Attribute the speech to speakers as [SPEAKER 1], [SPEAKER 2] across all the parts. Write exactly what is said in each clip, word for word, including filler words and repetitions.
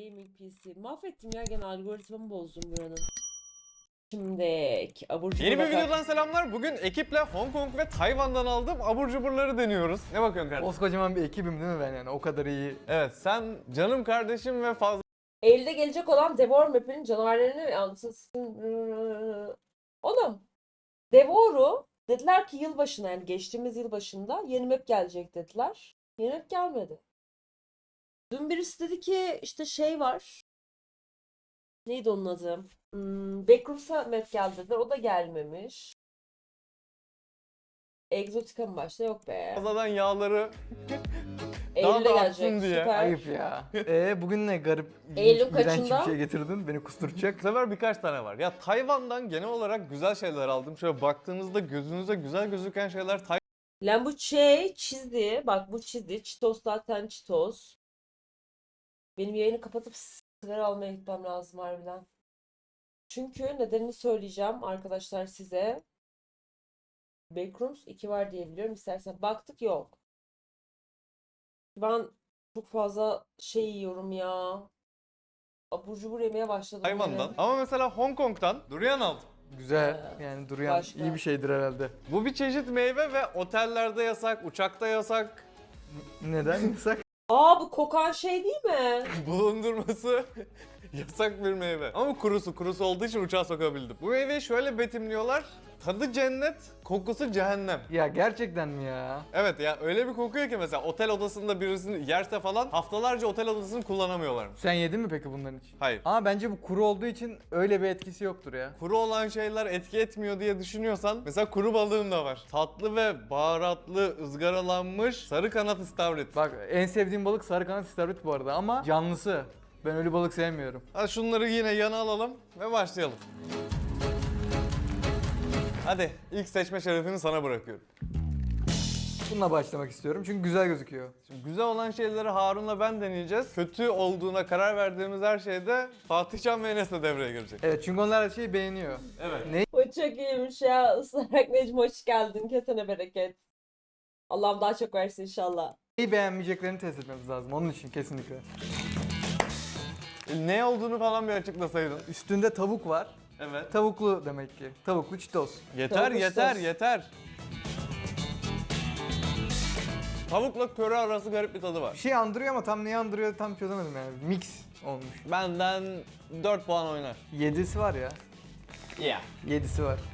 [SPEAKER 1] Gaming P C. Mahvettim ya, gene algoritmamı bozdum buranın. Şimdi abur cubur
[SPEAKER 2] Yeni bir
[SPEAKER 1] bakar.
[SPEAKER 2] videodan selamlar. Bugün ekiple Hong Kong ve Tayvan'dan aldığım abur cuburları deniyoruz. Ne bakıyorsun kardeşim?
[SPEAKER 3] Koskocaman bir ekibim değil mi ben yani? O kadar iyi.
[SPEAKER 2] Evet, sen canım kardeşim ve fazla
[SPEAKER 1] Eylül'de gelecek olan Devour Map'in canavarlarını anlatsın. Oğlum, Devour'u dediler ki yılbaşına, yani geçtiğimiz yılbaşında yeni map gelecek dediler. Yeni map gelmedi. Dün birisi dedi ki işte şey var. Neydi onun adı? Hmm, Backrooms'a map geldi dediler. O da gelmemiş. Exotica mı başta? Yok be.
[SPEAKER 2] fazladan yağları
[SPEAKER 1] Eylül'de
[SPEAKER 2] da
[SPEAKER 1] gelecek.
[SPEAKER 2] artsın diye.
[SPEAKER 1] Süper.
[SPEAKER 3] Ayıp ya. Ee bugün ne garip,
[SPEAKER 1] Eylül
[SPEAKER 3] ilginç, iğrenç
[SPEAKER 1] kaçında?
[SPEAKER 3] bir şey getirdin. Beni
[SPEAKER 2] Bu
[SPEAKER 3] kusturacak.
[SPEAKER 2] sefer birkaç tane var. Ya Tayvan'dan genel olarak güzel şeyler aldım. Şöyle baktığınızda gözünüze güzel gözüken şeyler
[SPEAKER 1] Lan bu şey çizdi. Bak bu çizdi. Cheetos zaten Cheetos. Benim yayını kapatıp sigara almaya gitmem lazım harbiden. Çünkü nedenini söyleyeceğim arkadaşlar size. Backrooms iki var diye biliyorum. İstersen baktık, yok. Ben çok fazla şey yiyorum ya. Abur cubur yemeye başladım.
[SPEAKER 2] Tayvan'dan.
[SPEAKER 1] yine.
[SPEAKER 2] Ama mesela Hong Kong'dan durian aldım.
[SPEAKER 3] Güzel. Yani duruyan
[SPEAKER 1] Başka?
[SPEAKER 3] iyi bir şeydir herhalde.
[SPEAKER 2] Bu bir çeşit meyve ve otellerde yasak, uçakta yasak.
[SPEAKER 3] Neden yasak?
[SPEAKER 1] Aa, bu kokan şey değil mi?
[SPEAKER 2] Bulundurması yasak bir meyve. Ama kurusu, kurusu olduğu için uçağa sokabildim. Bu meyveyi şöyle betimliyorlar. Tadı cennet, kokusu cehennem.
[SPEAKER 3] Ya gerçekten mi ya?
[SPEAKER 2] Evet ya, öyle bir kokuyor ki mesela otel odasında birisini yerse falan haftalarca otel odasını kullanamıyorlarmış.
[SPEAKER 3] Sen yedin mi peki bunların hiç?
[SPEAKER 2] Hayır.
[SPEAKER 3] Ama bence bu kuru olduğu için öyle bir etkisi yoktur ya.
[SPEAKER 2] Kuru olan şeyler etki etmiyor diye düşünüyorsan mesela kuru balığım da var. Tatlı ve baharatlı ızgaralanmış sarı kanat istavrit.
[SPEAKER 3] Bak en sevdiğim balık sarı kanat istavrit bu arada ama canlısı. Ben öyle balık sevmiyorum.
[SPEAKER 2] Hadi şunları yine yana alalım ve başlayalım. Hadi ilk seçme şerefini sana bırakıyorum.
[SPEAKER 3] Bununla başlamak istiyorum çünkü güzel gözüküyor.
[SPEAKER 2] Şimdi güzel olan şeyleri Harun'la ben deneyeceğiz. Kötü olduğuna karar verdiğimiz her şeyde Fatihcan ve Enes de devreye girecek.
[SPEAKER 3] Evet çünkü onlar her şeyi beğeniyor.
[SPEAKER 2] Evet.
[SPEAKER 3] Ne
[SPEAKER 1] O çok iyiymiş ya. Islarak Necmi hoş geldin. Kesene bereket. Allah'ım daha çok versin inşallah.
[SPEAKER 3] Neyi beğenmeyeceklerini test etmemiz lazım onun için kesinlikle.
[SPEAKER 2] E, Ne olduğunu falan bir açıklasaydın.
[SPEAKER 3] Üstünde tavuk var.
[SPEAKER 2] Evet.
[SPEAKER 3] Tavuklu demek ki. Tavuklu Cheetos.
[SPEAKER 2] Yeter
[SPEAKER 1] Tavuk
[SPEAKER 2] yeter
[SPEAKER 1] sos.
[SPEAKER 2] yeter. Tavukla köri arası garip bir tadı
[SPEAKER 3] Bir
[SPEAKER 2] var.
[SPEAKER 3] şey andırıyor ama tam neyi andırıyor tam çözemedim yani. Mix olmuş.
[SPEAKER 2] Benden dört puan oynar.
[SPEAKER 3] Yedisi var ya.
[SPEAKER 2] Yeah.
[SPEAKER 3] Yedisi var.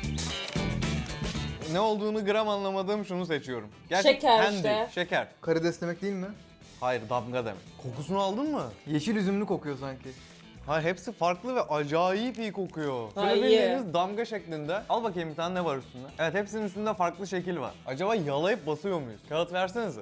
[SPEAKER 2] Ne olduğunu gram anlamadığım şunu seçiyorum.
[SPEAKER 1] Şeker
[SPEAKER 2] candy,
[SPEAKER 1] işte.
[SPEAKER 2] Şeker.
[SPEAKER 3] Karides demek değil mi?
[SPEAKER 2] Hayır, damga demek. Kokusunu aldın mı?
[SPEAKER 3] Yeşil üzümlü kokuyor sanki.
[SPEAKER 2] Hayır, hepsi farklı ve acayip iyi kokuyor.
[SPEAKER 1] Ha,
[SPEAKER 2] Şöyle
[SPEAKER 1] iyi.
[SPEAKER 2] bildiğiniz damga şeklinde. Al bakayım bir tane ne var üstünde. Evet, hepsinin üstünde farklı şekil var. Acaba yalayıp basıyor muyuz? Kağıt versenize.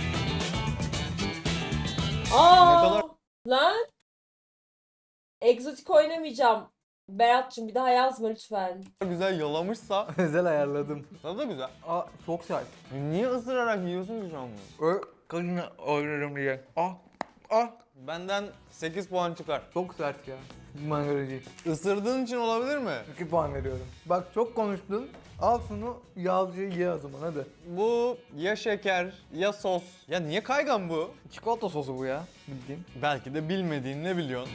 [SPEAKER 1] Aa,
[SPEAKER 2] Ne kadar-
[SPEAKER 1] lan. Egzotik oynamayacağım. Berat'cığım bir daha yazma lütfen.
[SPEAKER 2] Güzel yalamışsa
[SPEAKER 3] Özel ayarladım.
[SPEAKER 2] tadı da güzel.
[SPEAKER 3] Aa çok sert.
[SPEAKER 2] Niye ısırarak yiyorsun ki şu an bunu?
[SPEAKER 3] Ö kadını ayırırım diye. Ah ah.
[SPEAKER 2] Benden sekiz puan çıkar.
[SPEAKER 3] Çok sert ya. Bana göre değil.
[SPEAKER 2] Isırdığın için olabilir mi?
[SPEAKER 3] iki puan veriyorum. Bak çok konuştun. Al şunu yağlıca ye o zaman hadi.
[SPEAKER 2] Bu ya şeker ya sos. Ya niye kaygan bu?
[SPEAKER 3] Çikolata sosu bu ya bildiğin.
[SPEAKER 2] Belki de bilmediğin ne biliyorsun?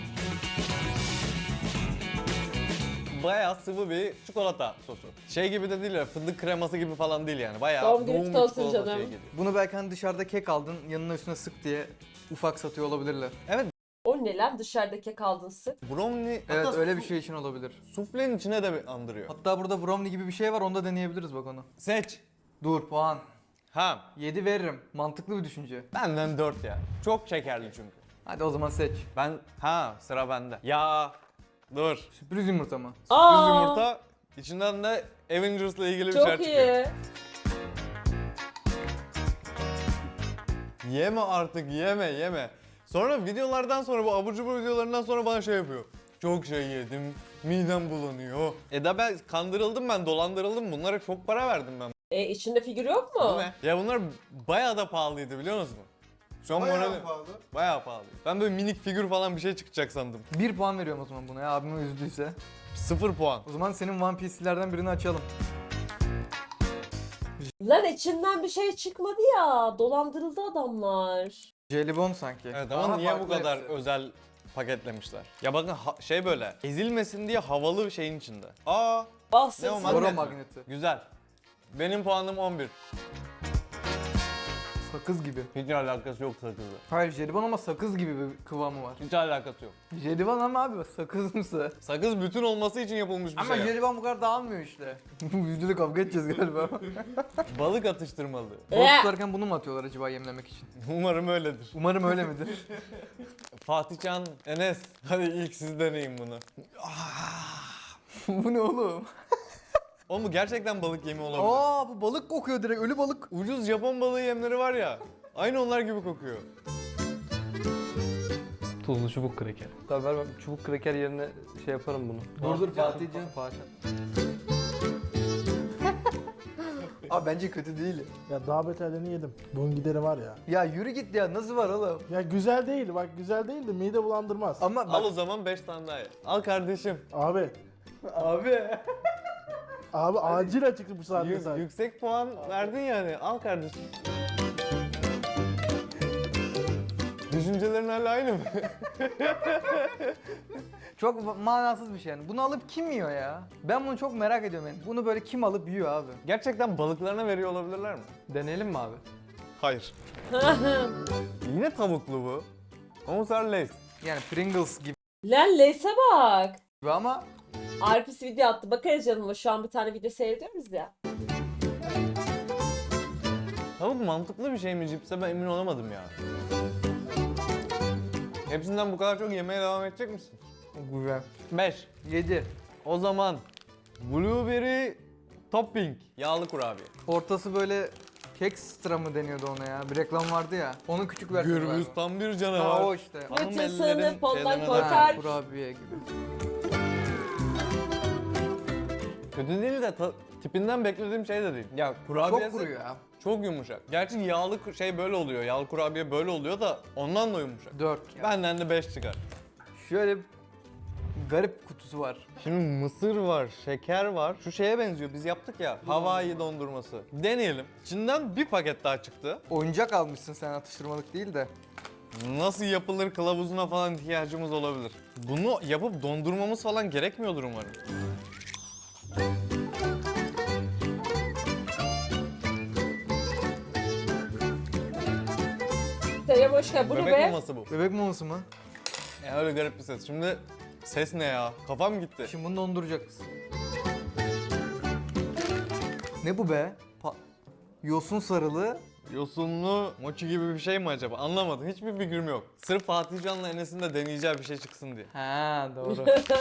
[SPEAKER 2] Bayağı sıvı bir çikolata sosu. Şey gibi de değil ya, fındık kreması gibi falan değil yani. Bayağı
[SPEAKER 1] Doğum günü
[SPEAKER 2] doğum
[SPEAKER 1] kutlu olsun
[SPEAKER 2] çikolata
[SPEAKER 1] canım.
[SPEAKER 2] şey geliyor.
[SPEAKER 3] Bunu belki hani dışarıda kek aldın yanına üstüne sık diye ufak satıyor olabilirler.
[SPEAKER 2] Evet,
[SPEAKER 1] O ne lan, dışarıdaki kaldın sık.
[SPEAKER 2] brownie
[SPEAKER 3] Evet
[SPEAKER 2] hatta
[SPEAKER 3] öyle bir şey için olabilir.
[SPEAKER 2] suflenin içine de bir andırıyor.
[SPEAKER 3] Hatta burada brownie gibi bir şey var onu da deneyebiliriz bak onu.
[SPEAKER 2] Seç.
[SPEAKER 3] Dur puan.
[SPEAKER 2] Ha,
[SPEAKER 3] yedi veririm. Mantıklı bir düşünce.
[SPEAKER 2] benden dört ya. Çok şekerli çünkü.
[SPEAKER 3] Hadi o zaman seç.
[SPEAKER 2] Ben, ha sıra bende. Ya, dur.
[SPEAKER 3] Sürpriz yumurta mı?
[SPEAKER 2] Sürpriz
[SPEAKER 1] Aa,
[SPEAKER 2] yumurta, içinden de Avengers'la ilgili bir
[SPEAKER 1] çok
[SPEAKER 2] şeyler çıkıyor.
[SPEAKER 1] iyi.
[SPEAKER 2] Yeme artık, yeme yeme. Sonra videolardan sonra, bu abur cubur videolarından sonra bana şey yapıyor. Çok şey yedim, midem bulanıyor. E da ben kandırıldım, ben dolandırıldım. Bunlara çok para verdim ben.
[SPEAKER 1] E içinde figür yok
[SPEAKER 2] Bu
[SPEAKER 1] mu?
[SPEAKER 2] ne? Ya bunlar bayağı da pahalıydı, biliyor musunuz? Şu an moralim-
[SPEAKER 3] pahalı.
[SPEAKER 2] Bayağı pahalı. Ben böyle minik figür falan bir şey çıkacak sandım.
[SPEAKER 3] Bir puan veriyorum o zaman buna ya abime üzdüyse.
[SPEAKER 2] Sıfır puan.
[SPEAKER 3] O zaman senin One Piece'lerden birini açalım.
[SPEAKER 1] Lan içinden bir şey çıkmadı ya. Dolandırıldı adamlar.
[SPEAKER 3] Jelibon sanki.
[SPEAKER 2] Evet ama niye bu
[SPEAKER 3] farklı
[SPEAKER 2] kadar
[SPEAKER 3] hepsi.
[SPEAKER 2] özel paketlemişler. Ya bakın ha- şey böyle ezilmesin diye havalı bir şeyin içinde. Aa
[SPEAKER 1] Bahsetsin.
[SPEAKER 2] Ne o,
[SPEAKER 3] Boro
[SPEAKER 2] magnet mi?
[SPEAKER 3] magneti.
[SPEAKER 2] güzel. Benim puanım on bir.
[SPEAKER 3] Sakız gibi.
[SPEAKER 2] Hiç alakası yok sakızla.
[SPEAKER 3] Hayır jelibon ama sakız gibi bir kıvamı var.
[SPEAKER 2] Hiç alakası yok.
[SPEAKER 3] Jelibon ama abi sakızımsı.
[SPEAKER 2] Sakız bütün olması için yapılmış bir
[SPEAKER 3] Ama
[SPEAKER 2] şey.
[SPEAKER 3] jelibon bu kadar dağılmıyor işte. Bu videoda kavga edeceğiz galiba.
[SPEAKER 2] Balık atıştırmalı.
[SPEAKER 3] Balık
[SPEAKER 1] Ee.
[SPEAKER 3] tutarken bunu mu atıyorlar acaba yemlemek için?
[SPEAKER 2] Umarım öyledir.
[SPEAKER 3] Umarım öyle midir?
[SPEAKER 2] Fatihcan, Enes, hadi ilk siz deneyin bunu.
[SPEAKER 3] Bu ne oğlum?
[SPEAKER 2] O mu gerçekten balık yemi olabilir?
[SPEAKER 3] Aa bu balık kokuyor direkt, ölü balık.
[SPEAKER 2] Ucuz Japon balığı yemleri var ya. Aynı onlar gibi kokuyor.
[SPEAKER 4] Tuzlu çubuk kraker. Tabii ver ben çubuk kraker yerine şey yaparım bunu.
[SPEAKER 3] Dur dur Fatihcan.
[SPEAKER 4] Fatih.
[SPEAKER 3] Abi bence kötü değil.
[SPEAKER 5] Ya daha beterlerini yedim. Bunun gideri var ya.
[SPEAKER 3] Ya yürü git ya, nasıl var oğlum?
[SPEAKER 5] Ya güzel değil, bak güzel değil de mide bulandırmaz.
[SPEAKER 3] Ama
[SPEAKER 2] Al
[SPEAKER 3] bak
[SPEAKER 2] o zaman beş tane daha ye. Al kardeşim.
[SPEAKER 5] Abi,
[SPEAKER 3] abi.
[SPEAKER 5] abi acil açıktı bu saatte
[SPEAKER 2] Yük-
[SPEAKER 5] sen.
[SPEAKER 2] yüksek puan verdin yani. Al kardeşim. Düşüncelerin hala aynı mı?
[SPEAKER 3] Çok manasız bir şey yani. Bunu alıp kim yiyor ya? Ben bunu çok merak ediyorum yani. Bunu böyle kim alıp yiyor abi?
[SPEAKER 2] Gerçekten balıklarına veriyor olabilirler mi?
[SPEAKER 4] Deneyelim mi abi?
[SPEAKER 2] Hayır. Yine tavuklu bu. Ama bu sefer Lay's.
[SPEAKER 3] Yani Pringles gibi
[SPEAKER 1] Lan Leyse bak.
[SPEAKER 3] ama
[SPEAKER 1] Arpis video attı. Bakarız canım, şu an bir tane video seyrediyoruz ya.
[SPEAKER 2] Tavuk mantıklı bir şey mi cipse ben emin olamadım ya. Hepsinden bu kadar çok yemeye devam edecek misin?
[SPEAKER 3] güzel.
[SPEAKER 2] beş.
[SPEAKER 3] yedi.
[SPEAKER 2] O zaman blueberry topping yağlı kurabiye.
[SPEAKER 3] Ortası böyle kekstra mı deniyordu ona ya? Bir reklam vardı ya. Onun küçük versiyonu
[SPEAKER 2] Gürbüz
[SPEAKER 3] galiba.
[SPEAKER 2] tam bir
[SPEAKER 3] Ha,
[SPEAKER 2] canavar.
[SPEAKER 3] o işte.
[SPEAKER 2] Hanım
[SPEAKER 1] Bütün
[SPEAKER 2] ellerin
[SPEAKER 1] sınıf ondan
[SPEAKER 2] şeylerine
[SPEAKER 1] korkar.
[SPEAKER 2] dair.
[SPEAKER 3] Ha, kurabiye gibi.
[SPEAKER 2] Kötü değil de ta- tipinden beklediğim şey de değil. Ya kurabiyesi
[SPEAKER 3] Çok kuru ya.
[SPEAKER 2] çok yumuşak. Gerçi yağlı ku- şey böyle oluyor. Yağlı kurabiye böyle oluyor da ondan da yumuşak.
[SPEAKER 3] dört.
[SPEAKER 2] Benden de beş çıkar.
[SPEAKER 3] Şöyle bir garip kutusu var.
[SPEAKER 2] Şimdi mısır var, şeker var. Şu şeye benziyor. Biz yaptık ya. Hawaii dondurması. Deneyelim. İçinden bir paket daha çıktı.
[SPEAKER 3] Oyuncak almışsın sen, atıştırmalık değil de.
[SPEAKER 2] Nasıl yapılır kılavuzuna falan ihtiyacımız olabilir. Bunu yapıp dondurmamız falan gerekmiyordur umarım.
[SPEAKER 1] Selam hoş geldin. Bu ne
[SPEAKER 2] Bebek
[SPEAKER 1] be?
[SPEAKER 2] maması bu.
[SPEAKER 3] Bebek maması mı?
[SPEAKER 2] Ya öyle garip bir ses. Şimdi ses ne ya? Kafam gitti.
[SPEAKER 3] Şimdi bunu donduracağız. Ne bu be? Pa- Yosun sarılı.
[SPEAKER 2] Yosunlu mochi gibi bir şey mi acaba? Anlamadım. Hiçbir fikrim yok. Sırf Fatih Can'la Enes'in de deneyeceği bir şey çıksın diye.
[SPEAKER 3] Ha doğru.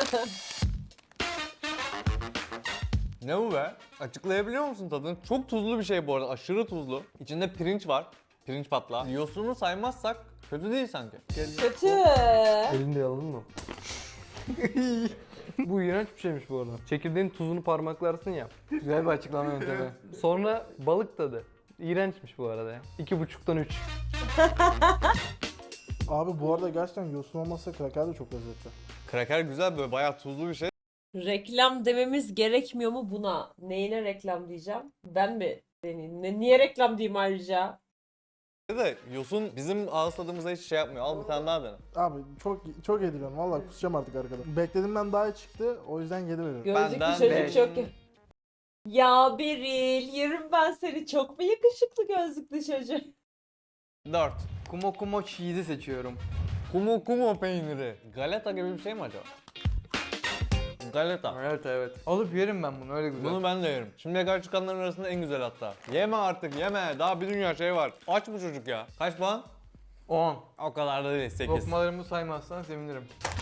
[SPEAKER 2] Ne bu be? Açıklayabiliyor musun tadını? Çok tuzlu bir şey bu arada. Aşırı tuzlu. İçinde pirinç var. Pirinç patlağı. Yosunu saymazsak kötü değil sanki.
[SPEAKER 1] Kötü.
[SPEAKER 4] Elinde yaladın mı? Bu iğrenç bir şeymiş bu arada. Çekirdeğin tuzunu parmaklarsın ya.
[SPEAKER 3] Güzel bir açıklama yöntemi.
[SPEAKER 4] Sonra balık tadı. İğrençmiş bu arada ya. İki buçuktan üç.
[SPEAKER 5] Abi bu arada gerçekten yosun olmasa kraker de çok lezzetli.
[SPEAKER 2] Kraker güzel böyle bayağı tuzlu bir şey.
[SPEAKER 1] Reklam dememiz gerekmiyor mu buna? Neyine reklam diyeceğim? Ben mi deneyeyim? Ne, niye reklam diyeyim ayrıca?
[SPEAKER 2] De yosun bizim ağız tadımıza hiç şey yapmıyor. Al bir tane daha dene.
[SPEAKER 5] Abi çok çok yediriyorum vallahi, kusacağım artık arkada. Beklediğimden daha iyi çıktı, o yüzden yedi veriyorum.
[SPEAKER 1] Gözlüklü
[SPEAKER 2] Benden
[SPEAKER 1] çocuk
[SPEAKER 3] beş.
[SPEAKER 1] çok... Ya Beril, yerim ben seni. Çok mu yakışıklı gözlüklü çocuk?
[SPEAKER 2] dört.
[SPEAKER 3] Kumo kumo cheese'i seçiyorum.
[SPEAKER 2] Kumu kumu peyniri. Galeta gibi bir şey mi acaba? Galeta.
[SPEAKER 3] Evet evet. Alıp yerim ben bunu, öyle güzel.
[SPEAKER 2] Bunu ben de yerim. Şimdiye kadar çıkanların arasında en güzel hatta. Yeme artık yeme. Daha bir dünya şey var. Aç bu çocuk ya. Kaç puan?
[SPEAKER 3] on.
[SPEAKER 2] O kadar da değil. sekiz.
[SPEAKER 3] Lokmalarımı saymazsan sevinirim.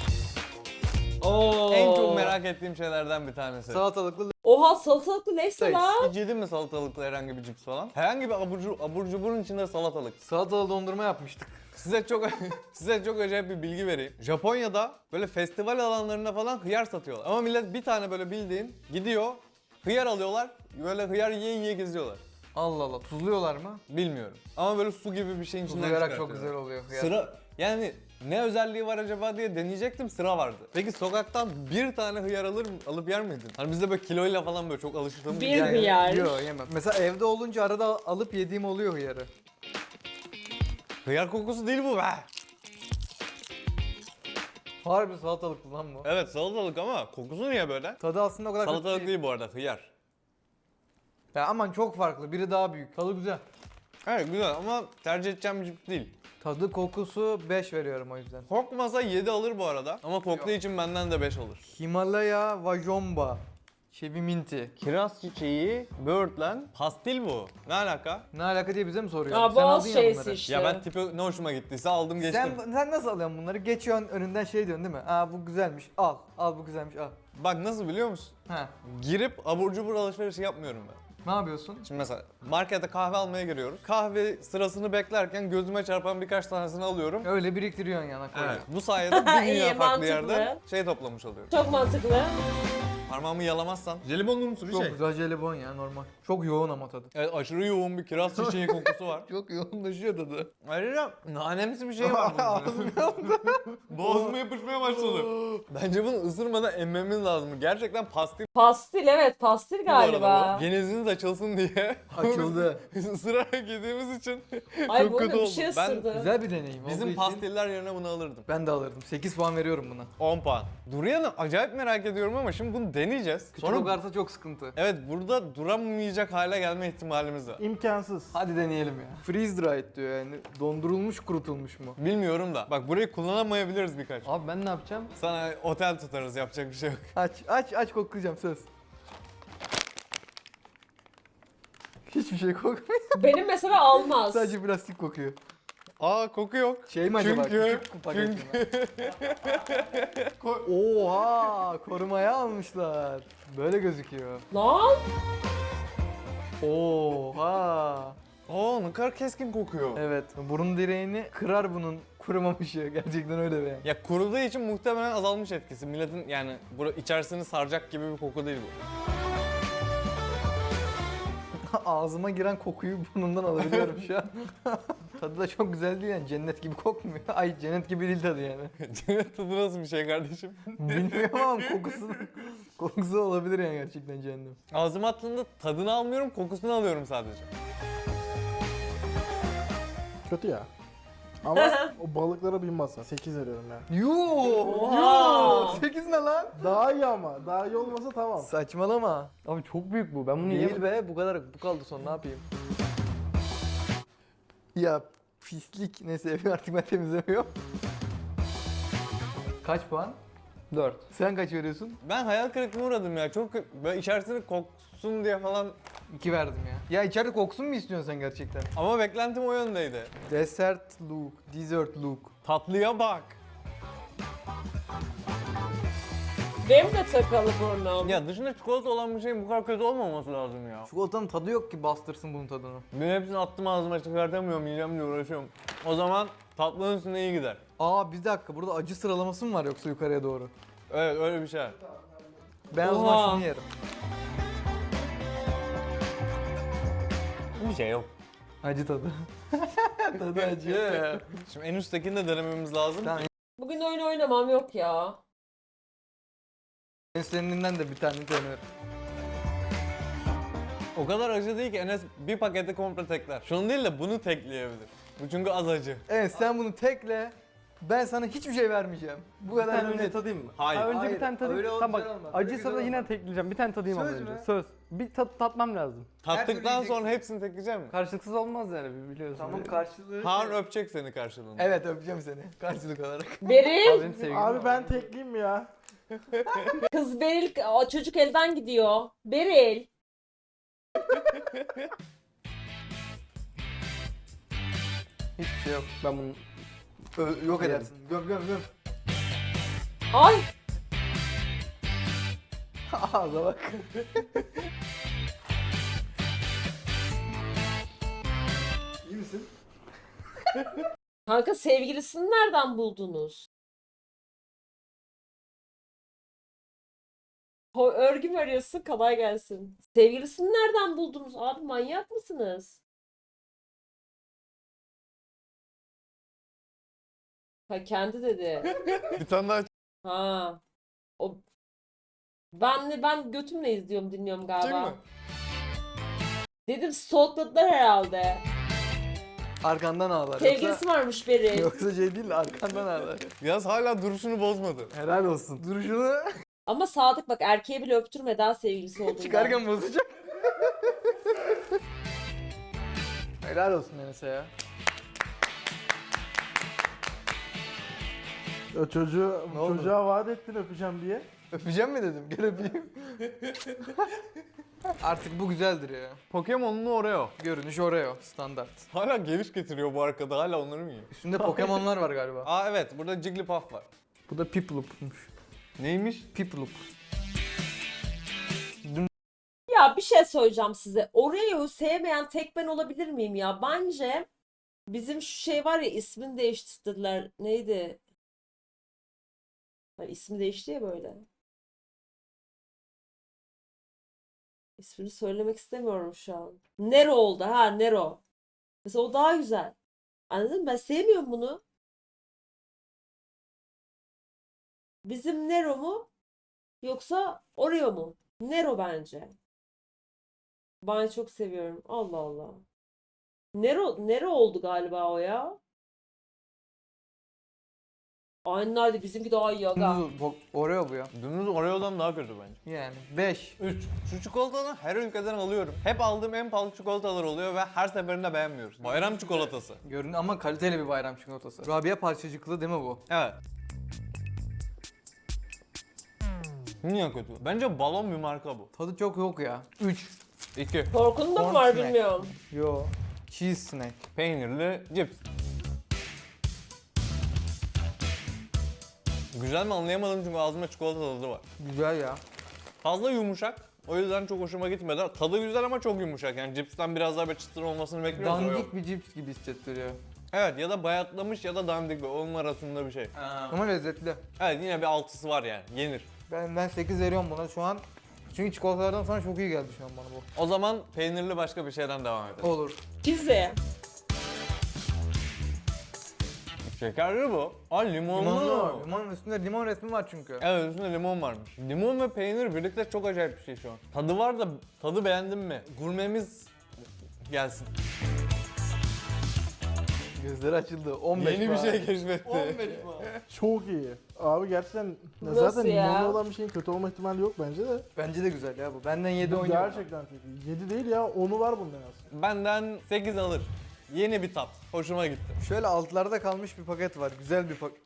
[SPEAKER 1] Oo.
[SPEAKER 2] En çok merak ettiğim şeylerden bir tanesi.
[SPEAKER 3] Salatalıklı
[SPEAKER 1] Oha, salatalıklı neyse
[SPEAKER 3] Sayıs.
[SPEAKER 1] lan?
[SPEAKER 2] Hiç yedin mi salatalıklı herhangi bir cips falan? Herhangi bir abur, cu- abur cuburun içinde salatalık.
[SPEAKER 3] salatalı dondurma yapmıştık.
[SPEAKER 2] Size çok size çok acayip bir bilgi vereyim. Japonya'da böyle festival alanlarında falan hıyar satıyorlar. Ama millet bir tane böyle bildiğin gidiyor, hıyar alıyorlar, böyle hıyar yiye yiye geziyorlar.
[SPEAKER 3] Allah Allah, tuzluyorlar mı?
[SPEAKER 2] Bilmiyorum. Ama böyle su gibi bir şeyin içinden
[SPEAKER 3] Tuzlayarak çok
[SPEAKER 2] çıkartıyorlar.
[SPEAKER 3] güzel oluyor. hıyar.
[SPEAKER 2] Sıra yani ne özelliği var acaba diye deneyecektim, sıra vardı. Peki sokaktan bir tane hıyar alır alıp yer miydin? Hani bizde böyle kiloyla falan böyle çok alıştığımız
[SPEAKER 1] Bir
[SPEAKER 2] şey.
[SPEAKER 1] hıyar.
[SPEAKER 3] Yok yemem. Mesela evde olunca arada alıp yediğim oluyor hıyarı.
[SPEAKER 2] Hıyar kokusu değil bu be.
[SPEAKER 3] Harbi salatalık lan bu.
[SPEAKER 2] Evet salatalık ama kokusu niye böyle?
[SPEAKER 3] Tadı aslında o kadar kötü
[SPEAKER 2] Salatalık değil bu arada, hıyar.
[SPEAKER 3] Ya aman çok farklı. Biri daha büyük. Tadı güzel.
[SPEAKER 2] Evet güzel ama tercih edeceğim bir cips değil.
[SPEAKER 3] Tadı kokusu beş veriyorum o yüzden.
[SPEAKER 2] Kokmasa yedi alır bu arada ama koktuğu için benden de beş alır.
[SPEAKER 3] Himalaya Vajomba. Çevi minti.
[SPEAKER 2] Kiraz çiçeği, böğürtlen, pastil bu. Ne alaka?
[SPEAKER 3] Ne alaka diye bize mi soruyor?
[SPEAKER 1] Aa,
[SPEAKER 3] Sen
[SPEAKER 1] boğaz
[SPEAKER 3] aldın ya
[SPEAKER 1] şeysi
[SPEAKER 3] bunları.
[SPEAKER 1] işte.
[SPEAKER 2] Ya ben tipi ne hoşuma gittiyse aldım geçtim.
[SPEAKER 3] Sen, sen nasıl alıyorsun bunları? Geçiyorsun önünden şey diyorsun değil mi? Aa bu güzelmiş al. Al bu güzelmiş al.
[SPEAKER 2] Bak nasıl biliyor musun?
[SPEAKER 3] Ha.
[SPEAKER 2] Girip abur cubur alışverişi yapmıyorum ben.
[SPEAKER 3] Ne yapıyorsun?
[SPEAKER 2] Şimdi mesela markete kahve almaya giriyoruz. Kahve sırasını beklerken gözüme çarpan birkaç tanesini alıyorum.
[SPEAKER 3] Öyle biriktiriyorsun yana koyuyorsun.
[SPEAKER 2] Evet. Bu sayede bir
[SPEAKER 1] İyi,
[SPEAKER 2] dünya farklı
[SPEAKER 1] mantıklı.
[SPEAKER 2] yerden şey toplamış oluyorum.
[SPEAKER 1] Çok mantıklı.
[SPEAKER 2] Parmağımı yalamazsan. Jelibonlu musun bir
[SPEAKER 3] Çok
[SPEAKER 2] şey?
[SPEAKER 3] güzel jelibon ya normal. Çok yoğun ama tadı.
[SPEAKER 2] Evet aşırı yoğun bir kiraz çiçeği kokusu var.
[SPEAKER 3] Çok yoğunlaşıyor tadı.
[SPEAKER 2] Ayrıca nanemsi bir şey var bunun. Boğazıma yapışmaya başladı. Bence bunu ısırmadan emmemiz lazım. Gerçekten pastil
[SPEAKER 1] Pastil, evet pastil
[SPEAKER 2] bu arada
[SPEAKER 1] galiba.
[SPEAKER 2] bu. Geniziniz açılsın diye.
[SPEAKER 3] Açıldı.
[SPEAKER 2] Biz ısırarak yediğimiz için
[SPEAKER 1] Ay
[SPEAKER 2] çok
[SPEAKER 1] bu
[SPEAKER 2] kötü
[SPEAKER 1] arada bir
[SPEAKER 2] oldu.
[SPEAKER 1] şey
[SPEAKER 2] Ben-
[SPEAKER 1] ısırdı.
[SPEAKER 3] Güzel bir deneyim olduğu
[SPEAKER 2] bizim
[SPEAKER 3] için
[SPEAKER 2] pastiller yerine bunu alırdım.
[SPEAKER 3] ben de alırdım. sekiz puan veriyorum buna.
[SPEAKER 2] on puan. Durian'ı acayip merak ediyorum ama şimdi bunu deneyeceğiz.
[SPEAKER 3] Küçük
[SPEAKER 2] Sonra
[SPEAKER 3] okarsa çok sıkıntı.
[SPEAKER 2] evet burada duramayacak hale gelme ihtimalimiz var.
[SPEAKER 5] İmkansız.
[SPEAKER 3] Hadi deneyelim ya. Freeze dried diyor yani. Dondurulmuş kurutulmuş mu?
[SPEAKER 2] Bilmiyorum da. Bak burayı kullanamayabiliriz birkaç.
[SPEAKER 4] Abi ben ne yapacağım?
[SPEAKER 2] Sana otel tutarız yapacak bir şey yok.
[SPEAKER 3] Aç aç aç koklayacağım söz. Hiçbir şey kokmuyor.
[SPEAKER 1] Benim mesela almaz.
[SPEAKER 3] Sadece plastik kokuyor.
[SPEAKER 2] Aa koku yok.
[SPEAKER 3] Şey mi acaba?
[SPEAKER 2] Çünkü-
[SPEAKER 3] Küçük paket mi? Oha! Korumaya almışlar. Böyle gözüküyor.
[SPEAKER 1] Lan
[SPEAKER 3] Oha!
[SPEAKER 2] Aa ne kadar keskin kokuyor.
[SPEAKER 3] Evet. Burun direğini kırar bunun kurumamışı. Gerçekten öyle be.
[SPEAKER 2] Ya kuruduğu için muhtemelen azalmış etkisi. Milletin yani bu içerisini saracak gibi bir koku değil bu.
[SPEAKER 3] Ağzıma giren kokuyu burnumdan alabiliyorum şu an. Tadı da çok güzel değil yani. Cennet gibi kokmuyor. Ay cennet gibi değil tadı yani.
[SPEAKER 2] Cennet tadı nasıl bir şey kardeşim?
[SPEAKER 3] Bilmiyorum ama kokusu kokusu olabilir yani gerçekten cehennem.
[SPEAKER 2] Ağzıma attığında tadını almıyorum, kokusunu alıyorum sadece.
[SPEAKER 5] Kötü ya. Ama o balıklara bin masa. sekiz veriyorum ya.
[SPEAKER 3] Yuuu!
[SPEAKER 1] Oha!
[SPEAKER 3] sekiz ne lan?
[SPEAKER 5] Daha iyi ama. Daha iyi olmasa tamam.
[SPEAKER 3] Saçmalama.
[SPEAKER 4] Abi çok büyük bu. Ben bunu
[SPEAKER 3] Değil
[SPEAKER 4] yiyemem.
[SPEAKER 3] be bu kadar bu kaldı son ne yapayım? Ya pislik neyse evi artık ben temizlemiyorum. Kaç puan?
[SPEAKER 4] dört.
[SPEAKER 3] Sen kaç veriyorsun?
[SPEAKER 2] Ben hayal kırıklığına uğradım ya. Çok böyle içerisini koksun diye falan.
[SPEAKER 3] iki verdim ya. Ya içeride koksun mu istiyorsun sen gerçekten?
[SPEAKER 2] Ama beklentim o yöndeydi.
[SPEAKER 3] Dessert look, dessert look.
[SPEAKER 2] Tatlıya bak.
[SPEAKER 1] benim de takalı burnum.
[SPEAKER 2] Ya dışında çikolata olan bir şeyin bu kadar kötü olmaması lazım ya.
[SPEAKER 3] Çikolatanın tadı yok ki bastırsın bunun tadını.
[SPEAKER 2] Ben hepsini attım ağzıma çıkartamıyorum, yiyeceğim diye uğraşıyorum. O zaman tatlının üstüne iyi gider.
[SPEAKER 3] Aa bir dakika burada acı sıralaması mı var yoksa yukarıya doğru?
[SPEAKER 2] Evet öyle bir şey.
[SPEAKER 3] Ben o zaman
[SPEAKER 1] Oha.
[SPEAKER 3] şunu yerim.
[SPEAKER 2] Bir şey yok.
[SPEAKER 3] Acı tadı. tadı acı.
[SPEAKER 2] Şimdi en üsttekini de denememiz lazım.
[SPEAKER 3] Tamam.
[SPEAKER 1] Bugün oyun oynamam yok ya.
[SPEAKER 3] Enseninden de bir tane deniyorum.
[SPEAKER 2] O kadar acı değil ki Enes bir paketi komple tekler. Şunu değil de bunu tekleyebilir. Bu çünkü az acı.
[SPEAKER 3] Evet sen bunu tekle. Ben sana hiçbir şey vermeyeceğim. Bu
[SPEAKER 4] Bir
[SPEAKER 3] kadar
[SPEAKER 4] tane önce
[SPEAKER 3] net.
[SPEAKER 4] tadayım mı?
[SPEAKER 2] Hayır.
[SPEAKER 4] Ha, önce
[SPEAKER 3] Hayır,
[SPEAKER 4] bir tane tadayım.
[SPEAKER 3] öyle
[SPEAKER 4] Tamam
[SPEAKER 3] güzel
[SPEAKER 4] bak
[SPEAKER 3] olmaz, öyle
[SPEAKER 4] acıysa
[SPEAKER 3] güzel
[SPEAKER 4] da yine
[SPEAKER 3] olmaz.
[SPEAKER 4] tekleyeceğim. Bir tane tadayım ama
[SPEAKER 3] Söz
[SPEAKER 4] önce.
[SPEAKER 3] mü?
[SPEAKER 4] Söz. Bir tat tatmam lazım.
[SPEAKER 2] Tattıktan
[SPEAKER 3] türlü
[SPEAKER 2] sonra hepsini tekleyecek mi?
[SPEAKER 4] Karşılıksız olmaz yani biliyorsun.
[SPEAKER 3] Tamam karşılığı.
[SPEAKER 2] Harun öpecek seni karşılığında.
[SPEAKER 3] Evet öpeceğim seni karşılık olarak.
[SPEAKER 1] Beril,
[SPEAKER 4] Abi benim sevgilim
[SPEAKER 5] Abi
[SPEAKER 4] var.
[SPEAKER 5] ben tekleyeyim mi ya?
[SPEAKER 1] kız Beril, o çocuk elden gidiyor. Beril.
[SPEAKER 3] Hiçbir şey yok.
[SPEAKER 4] Ben bunu
[SPEAKER 3] Ö- yok edersin. Göm göm göm.
[SPEAKER 1] Ay,
[SPEAKER 3] Ağza bak. İyi misin?
[SPEAKER 1] kanka sevgilisini nereden buldunuz? Ho örgü mü arıyorsun? Kolay gelsin. Sevgilisini nereden buldunuz? Abi manyak mısınız? Ha kendi dedi.
[SPEAKER 2] Bir tane daha
[SPEAKER 1] Ha. O ben ben götümle izliyorum, dinliyorum
[SPEAKER 2] açacak
[SPEAKER 1] galiba.
[SPEAKER 2] mı?
[SPEAKER 1] Dedim stalkladılar herhalde.
[SPEAKER 3] Arkandan ağlar.
[SPEAKER 1] Sevgilisi
[SPEAKER 3] Yoksa,
[SPEAKER 1] varmış Beril.
[SPEAKER 3] yoksa şey değil de arkandan ağlar.
[SPEAKER 2] Yaz hala duruşunu bozmadı.
[SPEAKER 3] Helal olsun. Duruşunu
[SPEAKER 1] Ama Sadık bak erkeğe bile öptürme daha sevgilisi olduğundan.
[SPEAKER 3] çıkarken bozacak. Helal olsun Enes'e ya.
[SPEAKER 5] O çocuğu,
[SPEAKER 3] Ne oldu?
[SPEAKER 5] çocuğa vaat ettin öpeceğim diye.
[SPEAKER 3] Öpeceğim mi dedim? Gel öpeyim. Artık bu güzeldir ya.
[SPEAKER 2] Pokemon'lu Oreo.
[SPEAKER 3] Görünüş Oreo standart.
[SPEAKER 2] Hala geliş getiriyor bu arkada. Hala onları mı yiyor?
[SPEAKER 3] Üstünde Pokemon'lar var galiba.
[SPEAKER 2] Aa evet, burada Jigglypuff var.
[SPEAKER 3] Bu da Piplup'muş.
[SPEAKER 2] Neymiş?
[SPEAKER 3] Piplup.
[SPEAKER 1] Ya bir şey söyleyeceğim size. Oreo'yu sevmeyen tek ben olabilir miyim ya? Bence bizim şu şey var ya ismini değiştirdiler. Neydi? Ha, ismi değişti ya böyle. İsmini söylemek istemiyorum şu an. Nero oldu ha Nero. Mesela o daha güzel. Anladın mı? Ben sevmiyorum bunu. Bizim Nero mu? Yoksa Oreo mu? Nero bence. Ben çok seviyorum. Allah Allah. Nero, Nero oldu galiba o ya. Aynen öyle. Bizimki daha iyi aga.
[SPEAKER 3] Dümdüz Bo- Oreo bu ya.
[SPEAKER 2] Dümdüz Oreo'dan daha kötü bence.
[SPEAKER 3] Yani beş.
[SPEAKER 2] üç. Şu çikolatadan her ülkeden alıyorum. Hep aldığım en pahalı çikolatalar oluyor ve her seferinde beğenmiyoruz. Bayram çikolatası.
[SPEAKER 3] Görün ama kaliteli bir bayram çikolatası. Rabia parçacıklı değil mi bu?
[SPEAKER 2] Evet. Niye kötü? Bence balon bir marka bu.
[SPEAKER 3] Tadı çok yok ya. üç.
[SPEAKER 2] iki.
[SPEAKER 1] Korkunun da mı
[SPEAKER 3] Corn
[SPEAKER 1] var
[SPEAKER 3] snack.
[SPEAKER 1] bilmiyorum.
[SPEAKER 3] Yo. Cheese snack.
[SPEAKER 2] Peynirli cips. Güzel mi anlayamadım çünkü ağzımda çikolata tadı var.
[SPEAKER 3] Güzel ya.
[SPEAKER 2] Fazla yumuşak. O yüzden çok hoşuma gitmedi. Tadı güzel ama çok yumuşak. Yani cipsten biraz daha bir çıtır olmasını bekliyoruz. o yok.
[SPEAKER 3] Dandik bir cips gibi hissettiriyor.
[SPEAKER 2] Evet ya da bayatlamış ya da dandik bir. Onun arasında bir şey.
[SPEAKER 3] Ama lezzetli.
[SPEAKER 2] Evet yine bir altısı var yani. Yenir.
[SPEAKER 3] Ben ben sekiz veriyorum buna şu an. Çünkü çikolatalardan sonra çok iyi geldi şu an bana bu.
[SPEAKER 2] O zaman peynirli başka bir şeyden devam edelim.
[SPEAKER 3] Olur.
[SPEAKER 1] Pizza.
[SPEAKER 2] Şekerli bu. Aa limonlu.
[SPEAKER 3] Limonlu var. Limonun üstünde limon resmi var çünkü.
[SPEAKER 2] Evet üstünde limon varmış. Limon ve peynir birlikte çok acayip bir şey şu an. Tadı var da tadı beğendin mi? Gurmemiz gelsin.
[SPEAKER 3] Gözleri açıldı. on beş
[SPEAKER 2] Yeni bir
[SPEAKER 3] puan.
[SPEAKER 2] şey keşfetti.
[SPEAKER 3] on beş puan.
[SPEAKER 5] Çok iyi. Abi gerçekten
[SPEAKER 1] Nasıl
[SPEAKER 5] zaten
[SPEAKER 1] ya?
[SPEAKER 5] limonlu olan bir şeyin kötü olma ihtimali yok bence de.
[SPEAKER 3] Bence de güzel ya bu. Benden yedi
[SPEAKER 5] Bu
[SPEAKER 3] oynuyor.
[SPEAKER 5] gerçekten çok iyi. yedi değil ya onu var bunda az.
[SPEAKER 2] Benden sekiz alır. Yeni bir tat. Hoşuma gitti.
[SPEAKER 3] Şöyle altlarda kalmış bir paket var. Güzel bir paket.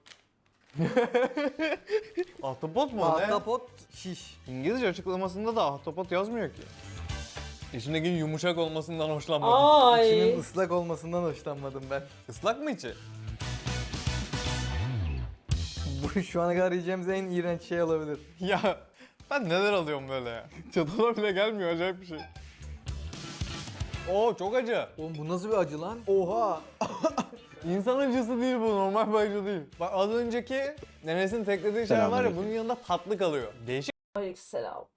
[SPEAKER 2] Ahtapot mu o ne?
[SPEAKER 3] Ahtapot şiş.
[SPEAKER 2] İngilizce açıklamasında da ahtapot yazmıyor ki. İçindeki yumuşak olmasından hoşlanmadım.
[SPEAKER 1] Ay.
[SPEAKER 3] İçinin ıslak olmasından hoşlanmadım ben.
[SPEAKER 2] Islak mı içi?
[SPEAKER 3] Bu şu ana kadar yiyeceğimiz en iğrenç şey olabilir.
[SPEAKER 2] Ya ben neler alıyorum böyle ya? Çatala bile gelmiyor acayip bir şey. Oo çok acı.
[SPEAKER 3] Oğlum bu nasıl bir acı lan? Oha.
[SPEAKER 2] İnsan acısı değil bu, normal bir acı değil. Bak az önceki nenesinin teklediği şey var ya bunun yanında tatlı kalıyor. Değişik.
[SPEAKER 1] Aleykümselam.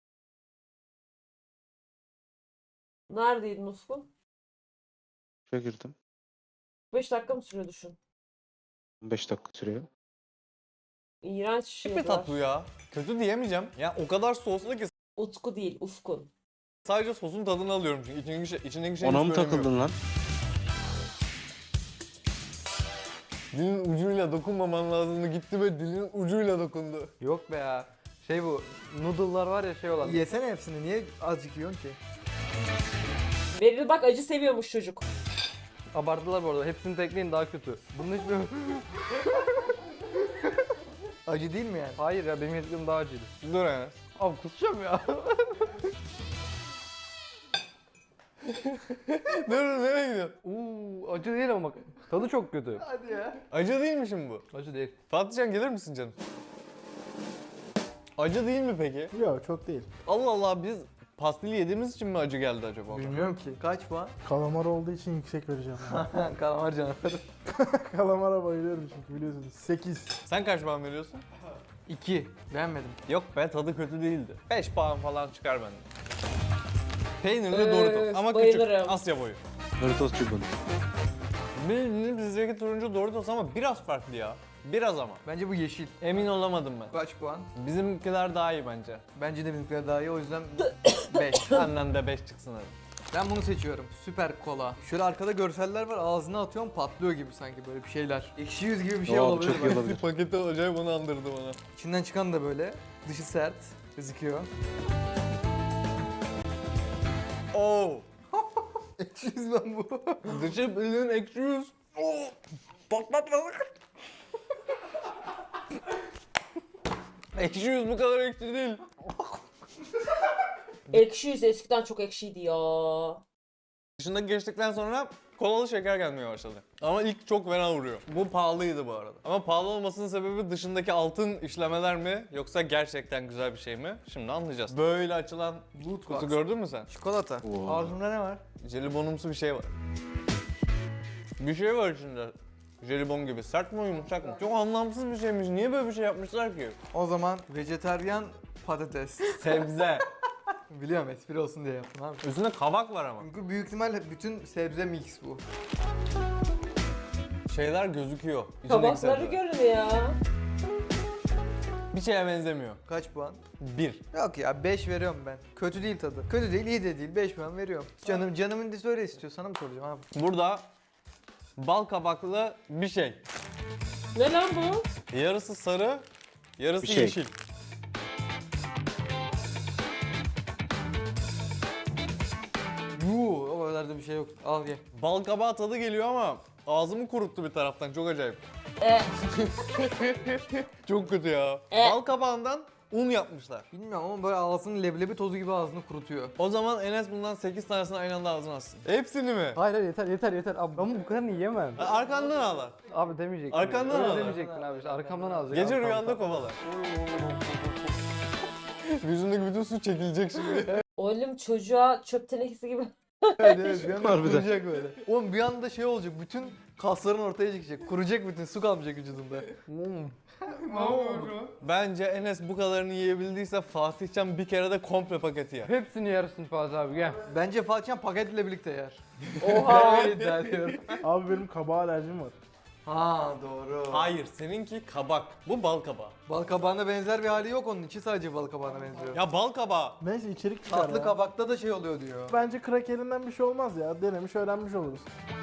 [SPEAKER 1] Neredeydin Ufkun?
[SPEAKER 6] Şuraya girdim.
[SPEAKER 1] beş dakika mı sürüyor düşün?
[SPEAKER 6] on beş dakika sürüyor.
[SPEAKER 1] İğrenç bir şey
[SPEAKER 2] bir
[SPEAKER 1] var.
[SPEAKER 2] tat bu ya. Kötü diyemeyeceğim. Ya o kadar soslu ki
[SPEAKER 1] Utku değil, Ufkun.
[SPEAKER 2] sadece sosun tadını alıyorum çünkü içindeki şey, içindeki şey
[SPEAKER 6] Ona
[SPEAKER 2] hiç
[SPEAKER 6] mı
[SPEAKER 2] göremiyorum.
[SPEAKER 6] takıldın lan?
[SPEAKER 2] Dilin ucuyla dokunmaman lazımdı. Gitti ve dilin ucuyla dokundu.
[SPEAKER 4] Yok be ya. Şey bu, noodle'lar var ya şey olan.
[SPEAKER 3] Yesene hepsini. Niye azıcık yiyorsun ki?
[SPEAKER 1] Beril bak acı seviyormuş çocuk.
[SPEAKER 4] Abarttılar bu arada. Hepsini tekleyin daha kötü. Bunun hiçbir...
[SPEAKER 3] Acı değil mi yani?
[SPEAKER 4] Hayır ya benim yediklerim daha acıydı.
[SPEAKER 2] Dur Enes.
[SPEAKER 4] Abi kusacağım ya.
[SPEAKER 2] Dur dur nereye gidiyorsun?
[SPEAKER 4] Uuu acı değil ama bak. Tadı çok kötü.
[SPEAKER 3] Hadi ya.
[SPEAKER 2] Acı değil mi şimdi bu?
[SPEAKER 4] Acı değil.
[SPEAKER 2] Fatihcan gelir misin canım? Acı değil mi peki?
[SPEAKER 5] Yok çok değil.
[SPEAKER 2] Allah Allah biz pastili yediğimiz için mi acı geldi acaba?
[SPEAKER 3] Bilmiyorum ki. Kaç puan?
[SPEAKER 5] Kalamar olduğu için yüksek vereceğim. ben.
[SPEAKER 3] Kalamar canavarı.
[SPEAKER 5] Kalamara bayılıyorum çünkü biliyorsunuz. sekiz.
[SPEAKER 2] Sen kaç puan veriyorsun?
[SPEAKER 3] iki. Beğenmedim.
[SPEAKER 2] Yok be tadı kötü değildi. beş puan falan çıkar benden. Peynirli
[SPEAKER 1] Öf,
[SPEAKER 2] Doritos ama
[SPEAKER 1] bayılırım.
[SPEAKER 2] küçük, Asya boyu.
[SPEAKER 6] Doritos çubuğu.
[SPEAKER 2] Bildiğin bizdeki turuncu Doritos ama biraz farklı ya. Biraz ama.
[SPEAKER 3] Bence bu yeşil.
[SPEAKER 2] Emin olamadım ben.
[SPEAKER 3] Kaç puan?
[SPEAKER 2] Bizimkiler daha iyi bence.
[SPEAKER 3] Bence de bizimkiler daha iyi o yüzden beş.
[SPEAKER 2] Benden de beş çıksın hadi.
[SPEAKER 3] Ben bunu seçiyorum. Süper kola. Şöyle arkada görseller var. Ağzına atıyorum patlıyor gibi sanki böyle bir şeyler. Ekşi yüz gibi bir şey
[SPEAKER 6] Aa, bu
[SPEAKER 3] olabilir.
[SPEAKER 6] çok iyi
[SPEAKER 3] bak.
[SPEAKER 6] olabilir.
[SPEAKER 2] Paketi acayip onu andırdı bana.
[SPEAKER 3] İçinden çıkan da böyle. Dışı sert gözüküyor.
[SPEAKER 2] Oo.
[SPEAKER 3] Ekşi yüz lan bu.
[SPEAKER 2] Dışı bildiğin ekşi yüz. Oo. Patlatmadık. Ekşi yüz bu kadar ekşi değil.
[SPEAKER 1] Ekşi yüz eskiden çok ekşiydi ya.
[SPEAKER 2] Dışında geçtikten sonra kolalı şeker gelmeye başladı. Ama ilk çok fena vuruyor. Bu pahalıydı bu arada. Ama pahalı olmasının sebebi dışındaki altın işlemeler mi yoksa gerçekten güzel bir şey mi? Şimdi anlayacağız. Böyle açılan
[SPEAKER 3] Loot
[SPEAKER 2] kutu
[SPEAKER 3] box.
[SPEAKER 2] gördün mü sen?
[SPEAKER 3] Çikolata.
[SPEAKER 6] Oo.
[SPEAKER 3] Ağzımda ne var?
[SPEAKER 2] Jelibonumsu bir şey var. Bir şey var içinde. Jelibon gibi. Sert mi yumuşak mı? Çok anlamsız bir şeymiş. Niye böyle bir şey yapmışlar ki?
[SPEAKER 3] O zaman vejetaryen patates.
[SPEAKER 2] Sebze.
[SPEAKER 3] Biliyorum espri olsun diye yaptım abi.
[SPEAKER 2] Üstünde kabak var ama.
[SPEAKER 3] Çünkü büyük ihtimal bütün sebze mix bu.
[SPEAKER 2] Şeyler gözüküyor. İçindeki
[SPEAKER 1] Kabakları
[SPEAKER 2] sebzeler.
[SPEAKER 1] görün ya.
[SPEAKER 2] Bir şeye benzemiyor.
[SPEAKER 3] Kaç puan?
[SPEAKER 2] Bir.
[SPEAKER 3] Yok ya beş veriyorum ben. Kötü değil tadı. Kötü değil, iyi de değil. beş puan veriyorum. Canım canımın disi öyle istiyor. Sana mı soracağım abi?
[SPEAKER 2] Burada bal kabaklı bir şey.
[SPEAKER 1] Ne lan bu?
[SPEAKER 2] Yarısı sarı, yarısı
[SPEAKER 6] Bir şey.
[SPEAKER 2] yeşil.
[SPEAKER 3] Yuu, o kadar da bir şey yok. Al ye.
[SPEAKER 2] Bal kabağı tadı geliyor ama ağzımı kuruttu bir taraftan. Çok acayip.
[SPEAKER 1] E,
[SPEAKER 2] Çok kötü ya.
[SPEAKER 1] E.
[SPEAKER 2] Bal kabağından un yapmışlar.
[SPEAKER 3] Bilmiyorum ama böyle ağzını leblebi tozu gibi ağzını kurutuyor.
[SPEAKER 2] O zaman Enes bundan sekiz tanesini aynı anda ağzına atsın. Hepsini mi?
[SPEAKER 4] Hayır hayır yeter yeter yeter. Abi ben bu kadar yiyemem.
[SPEAKER 2] Ha, Arkandan ağlar.
[SPEAKER 4] Abi demeyecektin.
[SPEAKER 2] Arkandan
[SPEAKER 4] Öyle
[SPEAKER 2] al.
[SPEAKER 4] demeyecektin abi işte arkamdan alacak.
[SPEAKER 2] Gece
[SPEAKER 4] Abi,
[SPEAKER 2] rüyanda
[SPEAKER 4] tamam,
[SPEAKER 2] kovalar. Yüzündeki bütün su çekilecek şimdi.
[SPEAKER 1] oğlum çocuğa çöp tenekesi gibi.
[SPEAKER 3] Evet evet bir anda
[SPEAKER 6] Harbiden.
[SPEAKER 3] kuruyacak böyle. Oğlum bir anda şey olacak. Bütün kasların ortaya çıkacak. Kuracak bütün su kalmayacak vücudunda.
[SPEAKER 2] Bence Enes bu kadarını yiyebildiyse Fatihcan bir kere de komple paketi yer.
[SPEAKER 4] tamam. Hepsini yersin Fatih abi gel.
[SPEAKER 3] Bence Fatih'in paketle birlikte yer.
[SPEAKER 1] Oha.
[SPEAKER 3] Ben öyle iddia ediyorum.
[SPEAKER 5] Abi benim kabağa alerjim var.
[SPEAKER 3] Ha doğru.
[SPEAKER 2] Hayır, seninki kabak. Bu bal kabağı.
[SPEAKER 3] Bal kabağına benzer bir hali yok onun. İçi sadece bal kabağına benziyor.
[SPEAKER 2] Ya bal kabağı.
[SPEAKER 5] Neyse içerik çıkar
[SPEAKER 3] Tatlı
[SPEAKER 5] ya.
[SPEAKER 3] kabakta da şey oluyor diyor.
[SPEAKER 5] Bence krakerinden bir şey olmaz ya. Denemiş öğrenmiş oluruz.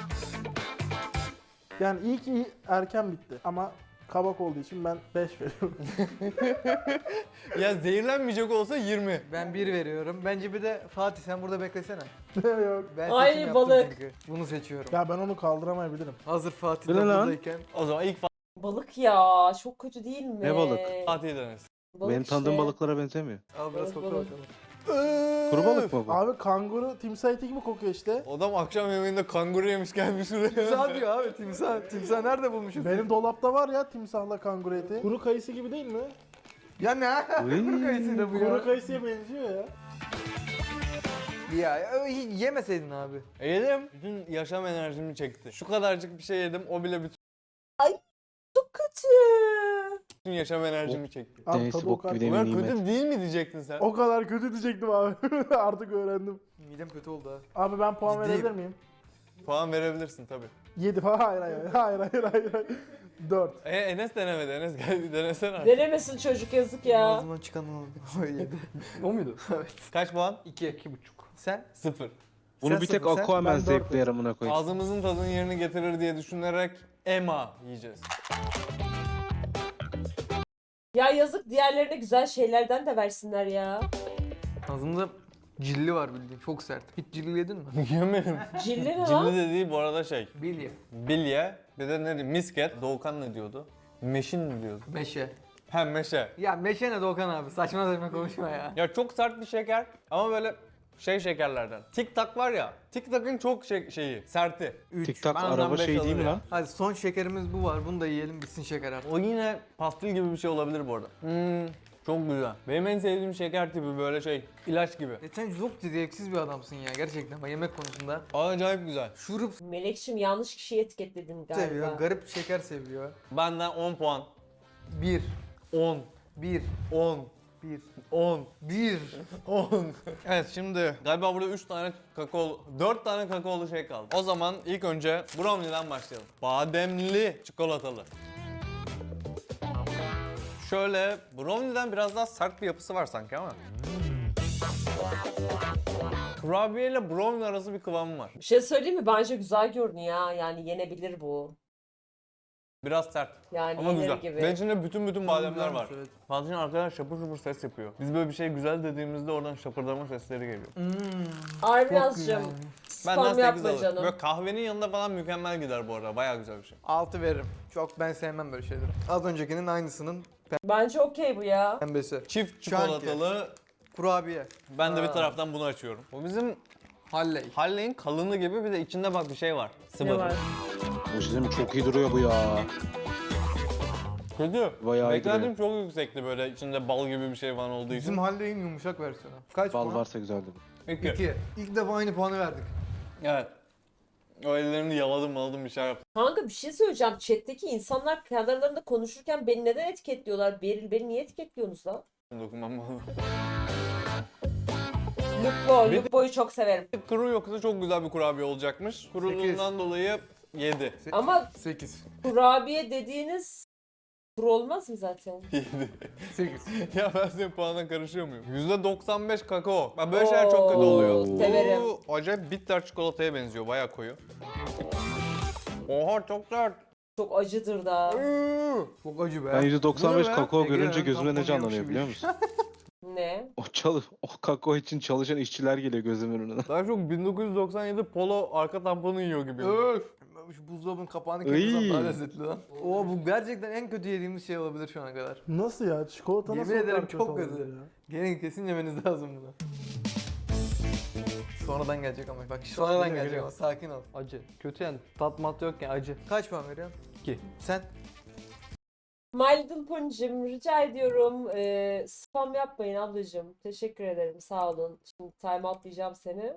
[SPEAKER 5] Yani iyi ki iyi- erken bitti ama kabak olduğu için ben beş veriyorum.
[SPEAKER 2] Ya zehirlenmeyecek olsa yirmi.
[SPEAKER 3] Ben bir veriyorum. Bence bir de Fatih sen burada beklesene.
[SPEAKER 5] Yok.
[SPEAKER 3] Ben
[SPEAKER 1] Ay,
[SPEAKER 3] seçim yaptım
[SPEAKER 1] balık.
[SPEAKER 3] çünkü. Bunu seçiyorum.
[SPEAKER 5] Ya ben onu kaldıramayabilirim.
[SPEAKER 3] Hazır Fatih
[SPEAKER 6] Bu
[SPEAKER 3] de
[SPEAKER 6] ne lan?
[SPEAKER 3] buradayken.
[SPEAKER 2] O zaman ilk
[SPEAKER 1] Balık ya. Çok kötü değil mi?
[SPEAKER 6] Ne balık?
[SPEAKER 2] Fatih denesin.
[SPEAKER 1] Balık
[SPEAKER 6] Benim tanıdığım
[SPEAKER 1] işte.
[SPEAKER 6] balıklara benzemiyor.
[SPEAKER 3] Al biraz
[SPEAKER 1] Evet,
[SPEAKER 3] kokla
[SPEAKER 1] balık.
[SPEAKER 3] bakalım.
[SPEAKER 6] Kuru balık mı bu?
[SPEAKER 5] Abi kanguru timsah eti gibi kokuyor işte.
[SPEAKER 2] Adam akşam yemeğinde kanguru yemiş gelmiş şuraya.
[SPEAKER 3] Timsah diyor abi timsah. Timsah nerede bulmuşuz?
[SPEAKER 5] Benim dolapta var ya timsahla kanguru eti. Kuru kayısı gibi değil mi?
[SPEAKER 3] Ya ne?
[SPEAKER 6] Uy.
[SPEAKER 3] Kuru kayısı da bu
[SPEAKER 5] Kuru
[SPEAKER 3] ya.
[SPEAKER 5] kayısıya benziyor ya.
[SPEAKER 3] Ya ö- hiç yemeseydin abi.
[SPEAKER 2] Yedim. Bütün yaşam enerjimi çekti. Şu kadarcık bir şey yedim o bile bütün
[SPEAKER 1] Çok kötü.
[SPEAKER 2] yaşam enerjimi çekti.
[SPEAKER 5] Abi
[SPEAKER 6] Neyse,
[SPEAKER 5] tadı o
[SPEAKER 6] bok
[SPEAKER 5] kadar,
[SPEAKER 6] gibi
[SPEAKER 2] Ulan
[SPEAKER 6] Nimet.
[SPEAKER 2] kötü değil mi diyecektin sen?
[SPEAKER 5] o kadar kötü diyecektim abi. Artık öğrendim.
[SPEAKER 3] Midem kötü oldu ha.
[SPEAKER 5] Abi ben puan
[SPEAKER 3] Ciddiyim.
[SPEAKER 5] verebilir miyim?
[SPEAKER 2] Puan verebilirsin tabii.
[SPEAKER 5] yedi falan. Hayır hayır hayır hayır hayır. hayır. dört.
[SPEAKER 2] E Enes denemedi. Enes gel bir denesene. artık.
[SPEAKER 1] Denemesin çocuk yazık ya.
[SPEAKER 3] Ağzımdan çıkan o yedi.
[SPEAKER 4] O muydu?
[SPEAKER 3] Evet.
[SPEAKER 2] Kaç puan?
[SPEAKER 3] İki. İki buçuk. Sen?
[SPEAKER 2] Sıfır.
[SPEAKER 6] Bunu
[SPEAKER 3] Sen
[SPEAKER 6] bir tek
[SPEAKER 3] sıfır, sen,
[SPEAKER 6] Aquaman
[SPEAKER 5] ben dört
[SPEAKER 6] zevkli amına koyayım.
[SPEAKER 2] Ağzımızın tadını yerini getirir diye düşünerek Ema yiyeceğiz.
[SPEAKER 1] Ya yazık diğerlerine güzel şeylerden de versinler ya.
[SPEAKER 3] Ağzımda cilli var bildiğin. Çok sert. Hiç cilli yedin mi?
[SPEAKER 2] Yemedim.
[SPEAKER 1] Cilli ne lan?
[SPEAKER 2] Cilli dediği bu arada şey.
[SPEAKER 3] Bilye.
[SPEAKER 2] Bilye. Bir de ne diyeyim? Misket. Doğukan ne diyordu? Meşin mi diyordu?
[SPEAKER 3] Meşe.
[SPEAKER 2] Hem meşe.
[SPEAKER 3] Ya meşe ne Doğukan abi? Saçma saçma konuşma ya.
[SPEAKER 2] Ya çok sert bir şeker ama böyle şey şekerlerden. Tik tak var ya. Tik takın çok şey, şeyi, serti.
[SPEAKER 3] Üç.
[SPEAKER 6] Tik tak
[SPEAKER 2] Ben ondan
[SPEAKER 6] araba
[SPEAKER 2] beş
[SPEAKER 6] şey değil mi
[SPEAKER 2] alırım.
[SPEAKER 6] lan?
[SPEAKER 3] Hadi son şekerimiz bu var. Bunu da yiyelim bitsin şeker artık.
[SPEAKER 2] O yine pastil gibi bir şey olabilir bu arada. Hmm, çok güzel. Benim en sevdiğim şeker tipi böyle şey, ilaç gibi.
[SPEAKER 3] E sen çok zevksiz bir adamsın ya gerçekten bak yemek konusunda.
[SPEAKER 2] Acayip güzel.
[SPEAKER 3] Şurup
[SPEAKER 1] Melekşim yanlış kişiyi etiketledin
[SPEAKER 3] seviyor,
[SPEAKER 1] galiba.
[SPEAKER 3] garip şeker seviyor.
[SPEAKER 2] Benden on puan.
[SPEAKER 3] Bir,
[SPEAKER 2] on,
[SPEAKER 3] bir,
[SPEAKER 2] on,
[SPEAKER 3] bir,
[SPEAKER 2] on,
[SPEAKER 3] bir.
[SPEAKER 2] on. Evet şimdi galiba burada üç tane kakao, dört tane kakaolu şey kaldı. O zaman ilk önce brownie'den başlayalım. Bademli çikolatalı. Şöyle brownie'den biraz daha sert bir yapısı var sanki ama. Kurabiye ile brownie arası bir kıvamı var.
[SPEAKER 1] Bir şey söyleyeyim mi? Bence güzel görünüyor. Yani yenebilir bu.
[SPEAKER 2] Biraz sert.
[SPEAKER 1] Yani
[SPEAKER 2] Ama
[SPEAKER 1] yenir
[SPEAKER 2] güzel.
[SPEAKER 1] gibi.
[SPEAKER 2] Ve içinde bütün bütün bademler
[SPEAKER 3] güzelmiş,
[SPEAKER 2] var.
[SPEAKER 3] evet.
[SPEAKER 2] Patlıcan arkadan şapır şapır ses yapıyor. Biz böyle bir şey güzel dediğimizde oradan şapırdama sesleri geliyor.
[SPEAKER 3] Hmm.
[SPEAKER 1] Armiyazcığım
[SPEAKER 2] Benden
[SPEAKER 1] spam
[SPEAKER 2] sekiz
[SPEAKER 1] yapma
[SPEAKER 2] alırım.
[SPEAKER 1] canım.
[SPEAKER 2] Böyle kahvenin yanında falan mükemmel gider bu arada. Bayağı güzel bir şey.
[SPEAKER 3] altı veririm. Çok ben sevmem böyle şeyleri. Az öncekinin aynısının
[SPEAKER 1] Bence okey bu ya.
[SPEAKER 3] pembesi.
[SPEAKER 2] Çift
[SPEAKER 3] Chunky.
[SPEAKER 2] çikolatalı.
[SPEAKER 3] Kurabiye.
[SPEAKER 2] Ben de bir
[SPEAKER 1] Aa.
[SPEAKER 2] taraftan bunu açıyorum. Bu bizim
[SPEAKER 3] Halley.
[SPEAKER 2] Halley'in kalını gibi, bir de içinde bak bir şey var. Sıvı.
[SPEAKER 1] Ne var?
[SPEAKER 6] Bu şey mi? Çok iyi duruyor bu ya.
[SPEAKER 2] Kötü.
[SPEAKER 6] Bayağı iyi
[SPEAKER 2] Beklentim çok yüksekti, böyle içinde bal gibi bir şey falan olduğu için.
[SPEAKER 3] Bizim Halley'in yumuşak versiyonu. Kaç
[SPEAKER 6] Bal
[SPEAKER 3] puan?
[SPEAKER 6] varsa güzeldi bu.
[SPEAKER 2] İki.
[SPEAKER 3] İki. İlk defa aynı puanı verdik.
[SPEAKER 2] Evet. O ellerini yaladım maladım bir şey yaptım.
[SPEAKER 1] Kanka bir şey söyleyeceğim. Chat'teki insanlar kendi aralarında konuşurken beni neden etiketliyorlar? Beril beni niye etiketliyorsunuz lan?
[SPEAKER 2] Dokunmam lazım.
[SPEAKER 1] Lupo,
[SPEAKER 2] Bir de-
[SPEAKER 1] Lupo'yu çok severim.
[SPEAKER 2] Kuru yoksa çok güzel bir kurabiye olacakmış. Kuruluğundan dolayı yedi.
[SPEAKER 1] Ama
[SPEAKER 3] sekiz.
[SPEAKER 1] kurabiye dediğiniz kuru olmaz mı zaten?
[SPEAKER 2] yedi.
[SPEAKER 3] sekiz.
[SPEAKER 2] Ya ben senin puanına karışıyor muyum? yüzde doksan beş kakao. Bak böyle şeyler çok kötü oluyor.
[SPEAKER 1] Oo, severim.
[SPEAKER 2] Bu acayip bitter çikolataya benziyor. Bayağı koyu. Oha çok sert.
[SPEAKER 1] Çok acıdır da.
[SPEAKER 3] Çok acı be.
[SPEAKER 6] Ben yüzde doksan beş
[SPEAKER 2] Bu ne be?
[SPEAKER 6] kakao
[SPEAKER 3] Ege,
[SPEAKER 6] görünce
[SPEAKER 3] ben
[SPEAKER 6] gözüme ne
[SPEAKER 3] tampon
[SPEAKER 6] canlanıyor
[SPEAKER 3] yiyormuş
[SPEAKER 6] biliyor
[SPEAKER 3] gibi.
[SPEAKER 6] musun?
[SPEAKER 1] Ne?
[SPEAKER 6] O çalı, o kakao için çalışan işçiler geliyor gözümün önüne.
[SPEAKER 2] Daha çok bin dokuz yüz doksan yedi polo arka tamponu yiyor gibi.
[SPEAKER 3] Öf. Şu buzdolabının kapağını
[SPEAKER 6] Iy.
[SPEAKER 3] kırmızı daha lezzetli lan. Oo bu gerçekten en kötü yediğimiz şey olabilir şu ana kadar.
[SPEAKER 5] Nasıl ya? Çikolata
[SPEAKER 3] Yemin
[SPEAKER 5] nasıl o kadar
[SPEAKER 3] ederim
[SPEAKER 5] kötü
[SPEAKER 3] çok
[SPEAKER 5] olabilir
[SPEAKER 3] kötü.
[SPEAKER 5] ya?
[SPEAKER 3] Gelin kesin yemeniz lazım bunu. Sonradan gelecek ama bak sonradan
[SPEAKER 4] Geliyor,
[SPEAKER 3] gelecek
[SPEAKER 4] geliyor.
[SPEAKER 3] ama sakin ol.
[SPEAKER 4] Acı. Kötü yani. Tat mat yok yani acı.
[SPEAKER 3] Kaç puan veriyorsun?
[SPEAKER 4] İki.
[SPEAKER 3] Sen?
[SPEAKER 1] My Little Pony'cim rica ediyorum ee, spam yapmayın ablacığım. Teşekkür ederim sağ olun. Şimdi time outlayacağım seni.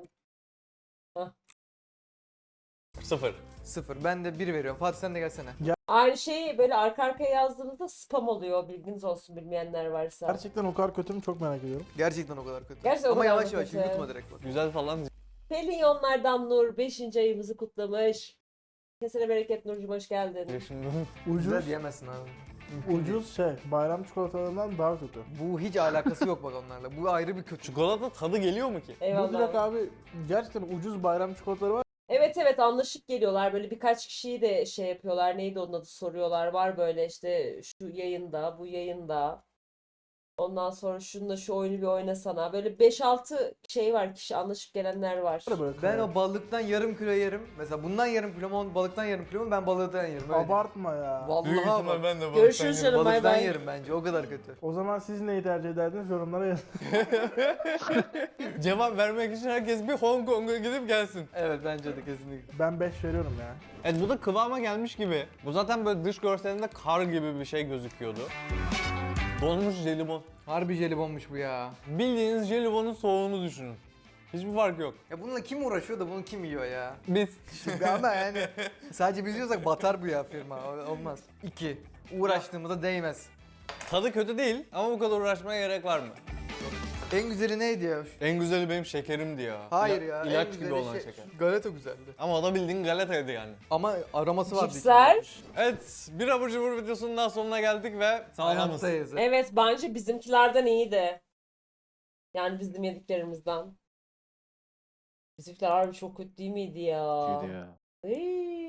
[SPEAKER 2] Sıfır.
[SPEAKER 3] Sıfır. Ben de bir veriyorum. Fatih sen de gelsene.
[SPEAKER 1] Aynı şeyi böyle arka arkaya yazdığınızda spam oluyor. Bilginiz olsun bilmeyenler varsa.
[SPEAKER 5] Gerçekten o kadar kötü mü çok merak ediyorum.
[SPEAKER 3] Gerçekten o kadar kötü.
[SPEAKER 1] Gerçekten o
[SPEAKER 3] ama
[SPEAKER 1] kadar
[SPEAKER 3] yavaş
[SPEAKER 1] mı
[SPEAKER 3] yavaş
[SPEAKER 1] kötü?
[SPEAKER 3] yutma direkt bak.
[SPEAKER 2] Güzel falan.
[SPEAKER 1] Pelyonlardan Nur beşinci ayımızı kutlamış. Kesene bereket Nurcuğum hoş geldin.
[SPEAKER 2] Şimdi
[SPEAKER 3] Güzel
[SPEAKER 5] Ucuz,
[SPEAKER 3] diyemezsin abi.
[SPEAKER 5] ucuz şey, bayram çikolatalarından daha kötü.
[SPEAKER 3] Bu hiç alakası yok bak onlarla. Bu ayrı bir kötü.
[SPEAKER 2] çikolata tadı geliyor mu ki?
[SPEAKER 5] Bu
[SPEAKER 1] Eyvallah.
[SPEAKER 5] direkt abi gerçekten ucuz bayram çikolataları var.
[SPEAKER 1] Evet evet anlaşıp geliyorlar. Böyle birkaç kişiyi de şey yapıyorlar. Neydi onun adı soruyorlar. Var böyle işte şu yayında, bu yayında. Ondan sonra şununla şu oyunu bir oynasana. Böyle beş altı şey var, kişi anlaşıp gelenler var.
[SPEAKER 5] Böyle
[SPEAKER 3] Ben o balıktan yarım kilo yerim. Mesela bundan yarım kilo mu, balıktan yarım kilo mu ben balıktan yerim. Öyle.
[SPEAKER 5] Abartma ya.
[SPEAKER 3] Vallahi
[SPEAKER 2] Büyük
[SPEAKER 3] bak.
[SPEAKER 2] ihtimal ben de
[SPEAKER 1] Görüşürüz
[SPEAKER 2] balıktan
[SPEAKER 1] canım. bay
[SPEAKER 3] Balıktan
[SPEAKER 1] bay.
[SPEAKER 3] yerim bence. O kadar kötü.
[SPEAKER 5] O zaman siz neyi tercih ederdiniz yorumlara yazın.
[SPEAKER 2] yerim. Cevap vermek için herkes bir Hong Kong'a gidip gelsin.
[SPEAKER 3] Evet bence de kesinlikle.
[SPEAKER 5] Ben beş veriyorum ya.
[SPEAKER 2] Evet bu da kıvama gelmiş gibi. Bu zaten böyle dış görselinde kar gibi bir şey gözüküyordu. Donmuş jelibon.
[SPEAKER 3] Harbi jelibonmuş bu ya.
[SPEAKER 2] Bildiğiniz jelibonun soğuğunu düşünün. Hiçbir fark yok.
[SPEAKER 3] Ya bununla kim uğraşıyor da bunu kim yiyor ya?
[SPEAKER 2] Biz.
[SPEAKER 3] Ama yani sadece biz yiyorsak batar bu ya firma. O- Olmaz. İki. Uğraştığımıza değmez.
[SPEAKER 2] Tadı kötü değil ama bu kadar uğraşmaya gerek var mı?
[SPEAKER 3] En güzeli neydi ya?
[SPEAKER 2] En güzeli benim şekerimdi ya.
[SPEAKER 3] Hayır
[SPEAKER 2] İla-
[SPEAKER 3] ya. en
[SPEAKER 2] İlaç gibi
[SPEAKER 3] güzeli
[SPEAKER 2] olan
[SPEAKER 3] şey-
[SPEAKER 2] şeker.
[SPEAKER 3] Galeta güzeldi.
[SPEAKER 2] Ama o da bildiğin galetaydı yani.
[SPEAKER 3] Ama aroması vardı.
[SPEAKER 1] Cipsler.
[SPEAKER 2] Evet, bir abur cubur videosunun daha sonuna geldik ve sağlamız.
[SPEAKER 3] Hayattayız.
[SPEAKER 1] Evet bence bizimkilerden iyiydi. Yani bizim yediklerimizden. Bizimkiler harbi çok kötü değil miydi ya?
[SPEAKER 6] Kötüydü ya.
[SPEAKER 1] Iy.